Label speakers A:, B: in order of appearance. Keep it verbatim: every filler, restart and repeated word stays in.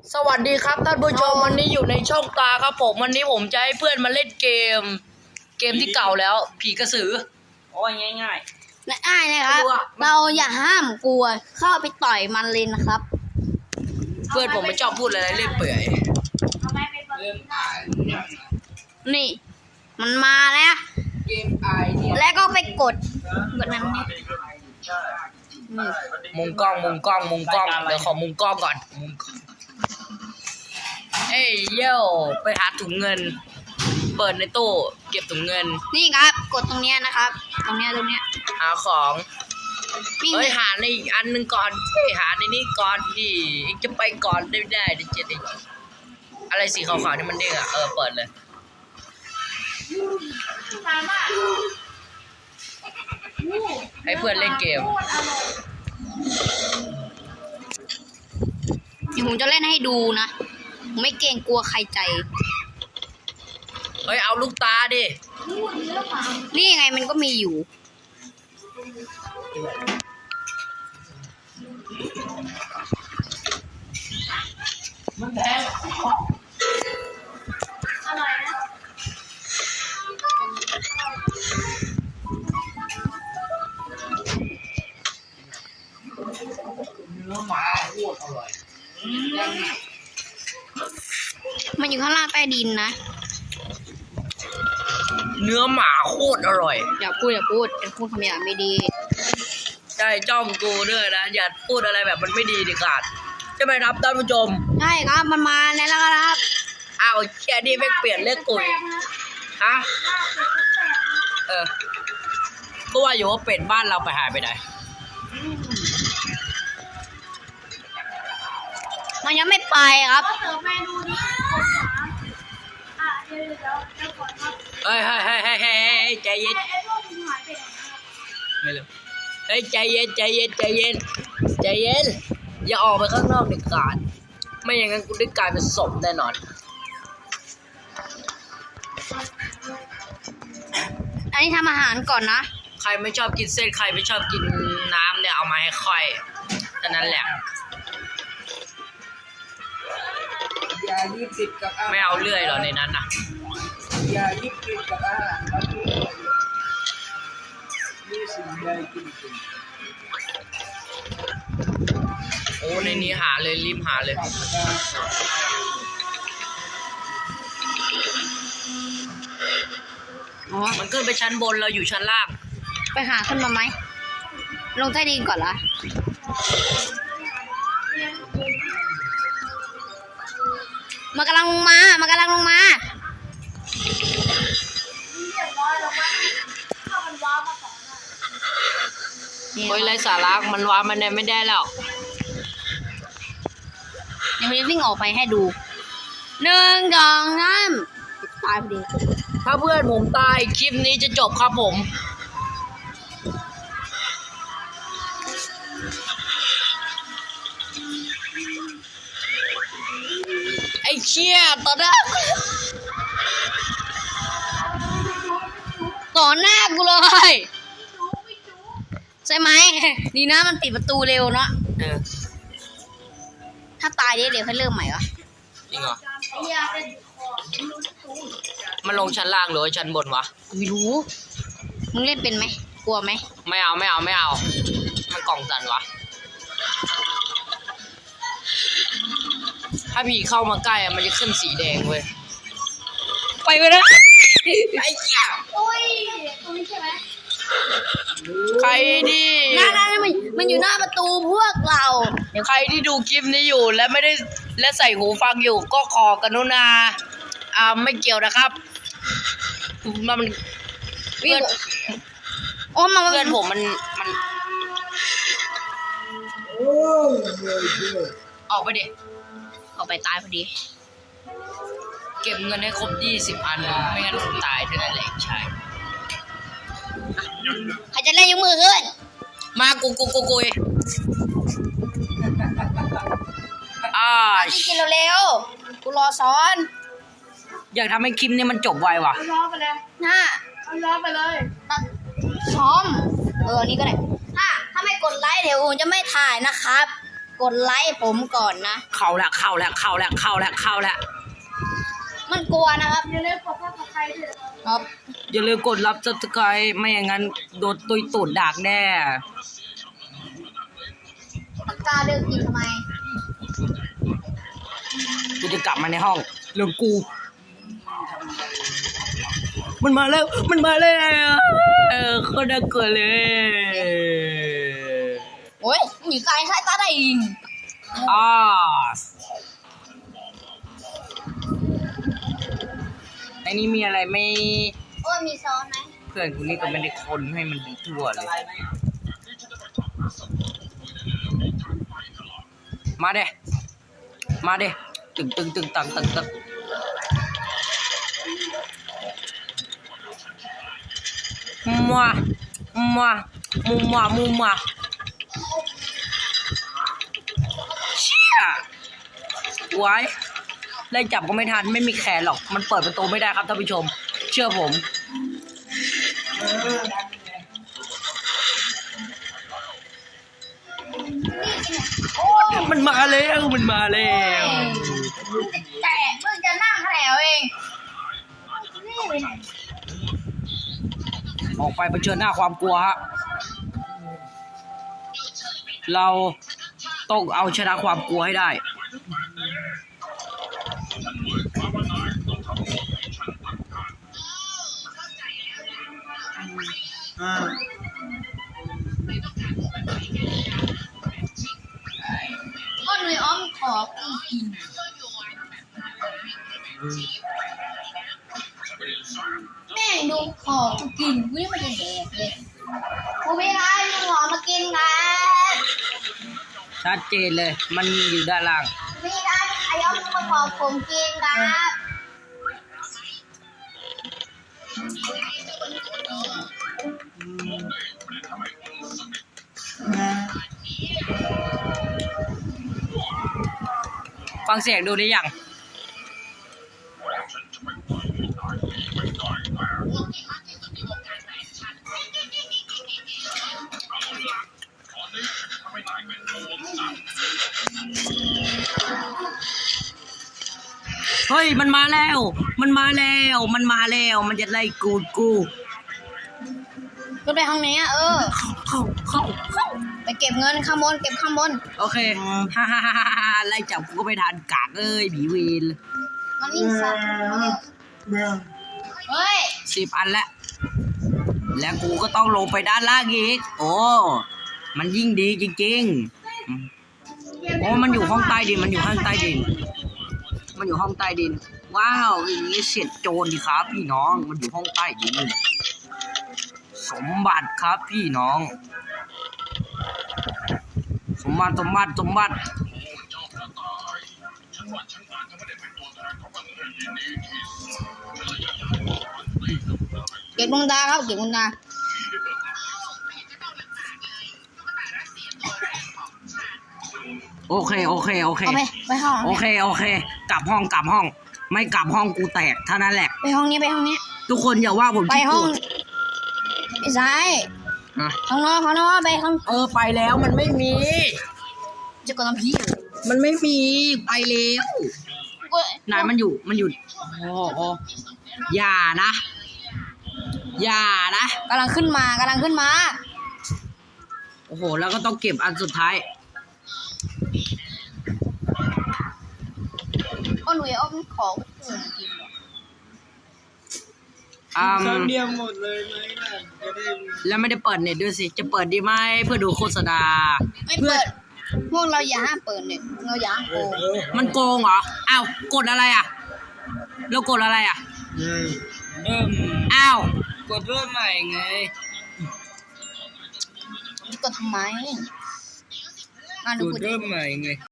A: สวัสดีครับท่านผู้ชมวันนี้อยู่ในช่องตาครับผมวันนี้ผมจะให้เพื่อนมาเล่นเกม เกมที่เก่าแล้ว ผีกระสือโอ้ยง่ายง่าย
B: ง่ายๆนะครับเราอย่าห้ามกลัวเข้าไปต่อยมันเลยนะครับ
A: เพื่อนผมไม่ชอบพูดอะไรเล่นเปื่อย
B: นี่ มันมาแล้ว
A: เกมไอเนี่ย
B: แล้วก็ไปกดกดนั้นนี่นี่
A: มุมกล้องมุมกล้องมุมกล้องเดี๋ยวขอมุมกล้องก่อนมุมกล้องเอ้ยโย่ไปหาถุงเงิน เปิดในตู้เก็บถุงเงิน
B: นี่ครับ กดตรงเนี้ยนะครับ ตรงเนี้ยตรงเนี้ย
A: หาของ
B: วิ่ง
A: เฮ้ยหาในอีกอันหนึ่งก่อนเฮ้ยหาในนี้ก่อนดิเองจะไปก่อนได้ได้เดี๋ยวจะได้อะไรสีขาวๆนี่มันเด้งอ่ะเออเปิดเลยให้เพื่อนเล่นเกม
B: เดี๋ยวผมจะเล่นให้ดูนะผมไม่เกรงกลัวใครใจ
A: เฮ้ยเอาลูกตาดิ
B: นี่ไงมันก็มีอยู่
A: มันแพงเนื้อหมาโคตรอร่อย
B: มันอยู่ข้างล่างใต้ดินนะ
A: เนื้อหมาโคตรอร่อย
B: อย่าพูดอย่าพูดอย่าพูดคำหยาบไม่ดี
A: ใช่จ้องกูด้วยนะอย่าพูดอะไรแบบมันไม่ดีดิขาดใช่ไหมครับท่านผู้ชม
B: ใช่ครับมันมาแล้วครับ
A: อ้าวแค่นี้ไม่เปลี่ยนเรื่องกุยฮะเออก็ว่าอยู่ว่าเป็ดบ้านเราไปหายไปไหน
B: มันยังไม่ไปครับ
A: เฮ้ยเฮ้ยเฮ้ยเฮ้ยเฮ้ยใจเย็นไม่เลยเฮ้ยใจเย็นใจเย็นใจเย็นใจเย็นอย่าออกไปข้างนอกเด็ดขาดไม่อย่างนั้นกูได้กลายเป็นศพแน่นอน
B: อันนี้ทำอาหารก่อนนะ
A: ใครไม่ชอบกินเส้นใครไม่ชอบกินน้ำเนี่ยเอามาให้ค่อยเท่านั้นแหละ
C: อย่ายึดติดกับอาหาร
A: ไม่เอาเลื่อยหรอในนั้นนะ
C: อย่ายึดติดกับอาหารครับนี่สิ่งใดกินสิ่ง
A: โอ้ในนี้หาเลยรีบหาเลย
B: อ๋อ
A: มันขึ้นไปชั้นบนเราอยู่ชั้นล่าง
B: ไปหาขึ้นมาไหม ลงใต้ดินก่อนละมันกำลังลงมา มันกำลังลงมา
A: โอ้ยไรสาระมันว้ามันเนี่ยไม่ได้แล้ว
B: เดี๋ยวผมจะวิ่งออกไปให้ดู หนึ่งสองสามตายพอดี
A: ถ้าเพื่อนผมตายคลิปนี้จะจบครับผม ไอ้เชี่ยตอนแรก
B: ต่อหน้ากูเลย ใช่ไหม ดีนะมันปิดประตูเร็วเนาะ
A: เออ
B: ถ้าตายเดี๋ยวเดี๋ยวให้เริ่มใหม่วะ
A: จริงเหรอ มันลงชั้นล่างหรือว่าชั้นบนวะ
B: ไม่รู้ มึงเล่นเป็นไหม กลัวไหม
A: ไม่เอาไม่เอาไม่เอา มันกล่องสั่นวะ ถ้าผีเข้ามาใกล้อะมันจะขึ้นสีแดงเว้ย
B: ไปไปนะ
A: ไอ้เหี้ย
B: อุ้ยตรงนี้ใช่ไหม
A: ใครดิ
B: นั่นนั่นมันมันอยู่หน้าประตูพวกเรา
A: ใครที่ดูคลิปนี้อยู่และไม่ได้และใส่หูฟังอยู่ก็ขอกรุณาอ่าไม่เกี่ยวนะครับมัน
B: วิ่
A: เพื่
B: ง
A: อน
B: โอ้มา
A: เพื่อนผมมันมัน
C: โอ้ยเฮ้ยเฮ้ย
A: ออกไปดิ
B: ออกไปตายพอดี
A: เก็บเงินให้ครบยี่สิบอันไม่งั้นผมตายเท่านั้นแหละใช่
B: ใครจะเล่นยกมือขึ้น
A: มากูกูกูกุยอ่า
B: พี่กินเร็วๆกูรอซ้อน
A: อยากทำให้คลิปนี้มันจบไวว่ะ
B: รอไปเลยห้ารอไปเลยตัดซ้อม เออ นี่ก็ได้ ถ้าถ้าไม่กดไลค์เดี๋ยวผมจะไม่ถ่ายนะครับกดไลค์ผมก่อนนะ
A: เข้าแล้วเข้าแล้วเข้าแล้วเข้าแล้วเข้าแล้ว
B: มันกลัวนะครับอย่าลืมกดซับสไครต์ด้วยครับ
A: อย่าลืมกดรับซับสไครต์ไม่อย่างนั้นโดนตุยตูดดากแน่
B: ปากกาเลือกกินทำไม
A: กูจะกลับมาในห้องเรื่องกู มันมาแล้วมันมาแล้วเออโคตรน่ากลัวเลย
B: โอ้ยหนีไกลใช้ตาได้ยิง
A: อ่าไอ้นี่มีอะไรไม่
B: โอ้ยมีซ้อนไหม
A: เพื่อนกูนี่ก็ไม่ได้คนให้มันดีทั่วเลย มาเด้มาเด้ตึงตึงตึงตังตึงตึงมัวมัวมุมมัวมุมมัวเชี่ยไว้ไล่จับก็ไม่ทันไม่มีแขนหรอกมันเปิดประตูไม่ได้ครับท่านผู้ชมเชื่อผมมันมาแล้วมันมาแล้ว
B: แต่เพิ่งจะนั่งแถวเองนี่ไปไหน
A: ออกไปเผชิญหน้าความกลัวฮะเราต้องเอาชนะความกลัวให้ได้
B: ก็หนุ่ยอ้อมขอกูกินแม่งดูขอกูกินกูยังไม่ได้แดกเลยกูไม่ได้ดูขอมากินกัน
A: ชัดเจนเลยมันอยู่ด้านล่าง
B: ไม่ได้ไอ้อ้อมมาขอผมกินครับ
A: ฟังเสียงดูได้ยังเฮ้ยมันมาแล้วมันมาแล้วมันมาแล้วมันจะไล่กูดกู
B: ก็ไปห้องนี้อ่ะเออ
A: เข้าเข้าเข้า
B: ไปเก็บเงินข้างบนเก็บข้างบน
A: โอเคฮ่าฮ่าฮ่าฮ่าไล่จับกูก็ไม่ทันกากเอ้ยบีวีน
B: มันวิ่งสัตว์เฮ้ย
A: สิบอันแล้วแล้วกูก็ต้องลงไปด้านล่างอีกโอ้มันยิ่งดีจริงๆโอ้มันอยู่ห้องใต้ดินมันอยู่ห้องใต้ดินมันอยู่ห้องใต้ดินว้าวอย่างนี้เสียดโจรดีครับพี่น้องมันอยู่ห้องใต้ดินสมบัติครับพี่น้อง สมบัติสมบัติสมบัติ
B: เก็บดวงตาครับเก็บดวงตา
A: โอเคโอเคโอเค
B: เอาไปไปห้อง
A: โอเคโอเค กลับห้องกลับห้อง ไม่กลับห้องกูแตกเท่านั้นแหละ
B: ไปห้องนี้ไปห้องนี้
A: ทุกคนอย่าว่าผม
B: ไป
A: ขี้
B: ห้
A: โก
B: อง
A: รธ
B: ไม่ใช่
A: อ่ะ
B: ข้างนอกข้างนอกไปข้าง
A: เออไปแล้วมันไม่มี
B: จะกดน้ำพี
A: มันไม่มีไปแล้ว
B: กู
A: ไหนมันอยู่มันอยู่โอ้โอ้อย่านะ อย่านะ
B: กำลังขึ้นมากำลังขึ้นมา
A: โอ้โหแล้วก็ต้องเก็บอันสุดท้าย
B: ก็หนุ่ยอ้อมขอกูกิน
A: อืม
C: ครั้งเดียวหมดเลยไหมล่ะจะได้
A: แล้วไม่ได้เปิดเน็ตด้วยสิ จะเปิดดีไหมเพื่อดูโฆษณา
B: ไม่เปิดพวกเราอย่าห้ามเปิดเนี่ยเราอย่าห้ามโกง
A: มันโกงเหรอ อ้าว กดอะไรอ่ะ เรากดอะไรอ่ะ
C: เริ่ม
A: อ้าว
C: กดเริ่มใหม่ไง
B: จะกดทำไมมาดู
C: กด
B: กู
C: เริ่มใหม่ไง